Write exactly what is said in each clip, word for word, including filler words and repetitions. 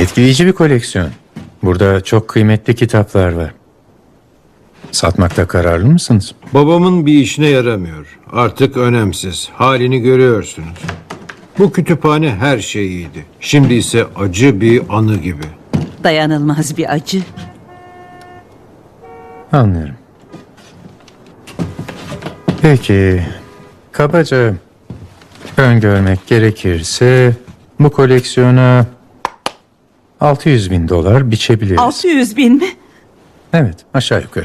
Etkileyici bir koleksiyon. Burada çok kıymetli kitaplar var. Satmakta kararlı mısınız? Babamın bir işine yaramıyor. Artık önemsiz. Halini görüyorsunuz. Bu kütüphane her şeyiydi. Şimdi ise acı bir anı gibi. Dayanılmaz bir acı. Anlıyorum. Peki, kabaca öngörmek gerekirse bu koleksiyona altı yüz bin dolar biçebiliriz. Altı yüz bin mi? Evet, aşağı yukarı.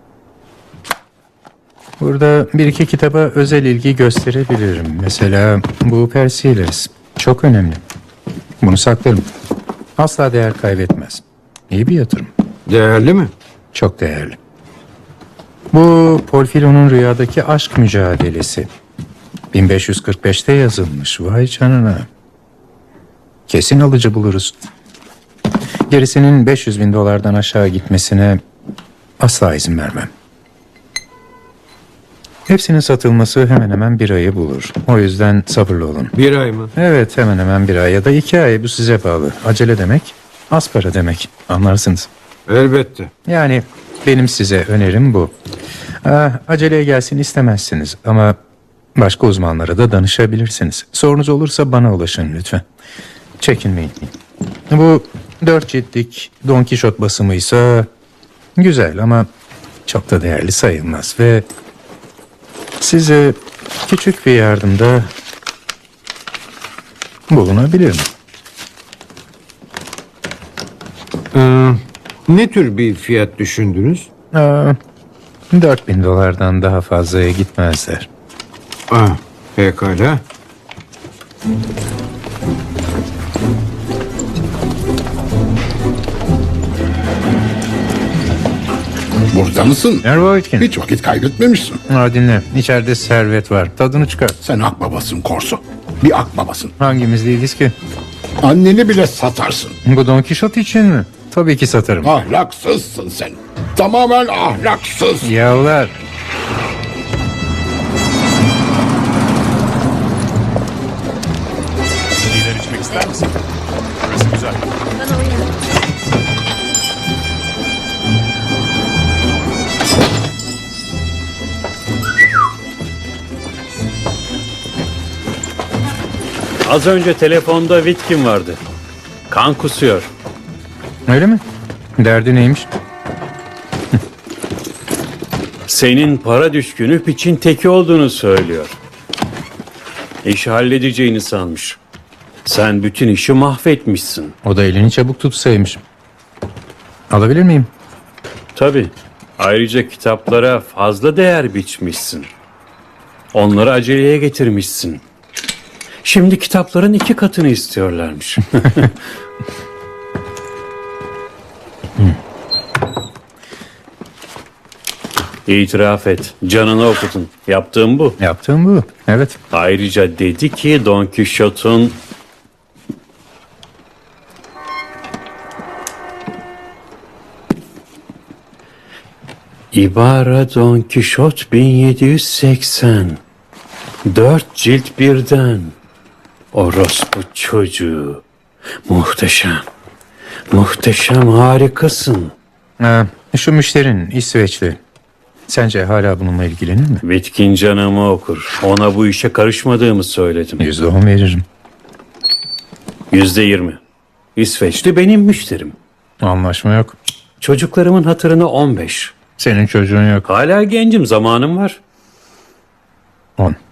Burada bir iki kitaba özel ilgi gösterebilirim. Mesela bu Persiles. Çok önemli. Bunu saklarım. Asla değer kaybetmez. İyi bir yatırım. Değerli mi? Çok değerli. Bu Porfiro'nun rüyadaki aşk mücadelesi. bin beş yüz kırk beşte yazılmış. Vay canına. Kesin alıcı buluruz. Gerisinin beş yüz bin dolardan aşağı gitmesine asla izin vermem. Hepsinin satılması hemen hemen bir ayı bulur. O yüzden sabırlı olun. Bir ay mı? Evet, hemen hemen bir ay ya da iki ay. Bu size bağlı. Acele demek, az para demek. Anlarsınız. Elbette. Yani benim size önerim bu. Ah, aceleye gelsin istemezsiniz ama başka uzmanlara da danışabilirsiniz. Sorunuz olursa bana ulaşın lütfen. Çekinmeyin. Bu dört ciltlik Don Kişot basımıysa güzel ama çok da değerli sayılmaz ve size küçük bir yardımda bulunabilirim. Ee, ne tür bir fiyat düşündünüz? Aa, dört bin dolardan daha fazlaya gitmezler. Ah, pekala. Burada mısın? Merhaba Whitkin. Hiç vakit kaybetmemişsin. Ha, dinle. İçeride servet var. Tadını çıkar. Sen akbabasın Korso. Bir akbabasın. Hangimiz değiliz ki? Anneni bile satarsın. Bu Don Kişot için mi? Tabii ki satarım. Ahlaksızsın sen. Tamamen ahlaksız. Yavlar. Şeyler içmek ister misin? Burası güzel. Az önce telefonda Whitkin vardı. Kan kusuyor. Öyle mi? Derdi neymiş? Senin para düşkünü piçin teki olduğunu söylüyor. İşi halledeceğini sanmış. Sen bütün işi mahvetmişsin. O da elini çabuk tutsaymış. Alabilir miyim? Tabii. Ayrıca kitaplara fazla değer biçmişsin. Onları aceleye getirmişsin. Şimdi kitapların iki katını istiyorlarmış. İtiraf et. Canını okudun. Yaptığım bu. Yaptığım bu. Evet. Ayrıca dedi ki Don Quixote'un İbara Don Quixote bin yedi yüz seksen. Dört cilt birden. Orospu çocuğu. Muhteşem. Muhteşem, harikasın. Ha, şu müşterin İsveçli. Sence hala bununla ilgilenir mi? Bitkin canımı okur. Ona bu işe karışmadığımı söyledim. Yüzde on veririm. Yüzde yirmi. İsveçli benim müşterim. Anlaşma yok. Çocuklarımın hatırına on beş. Senin çocuğun yok. Hala gencim, zamanım var. On.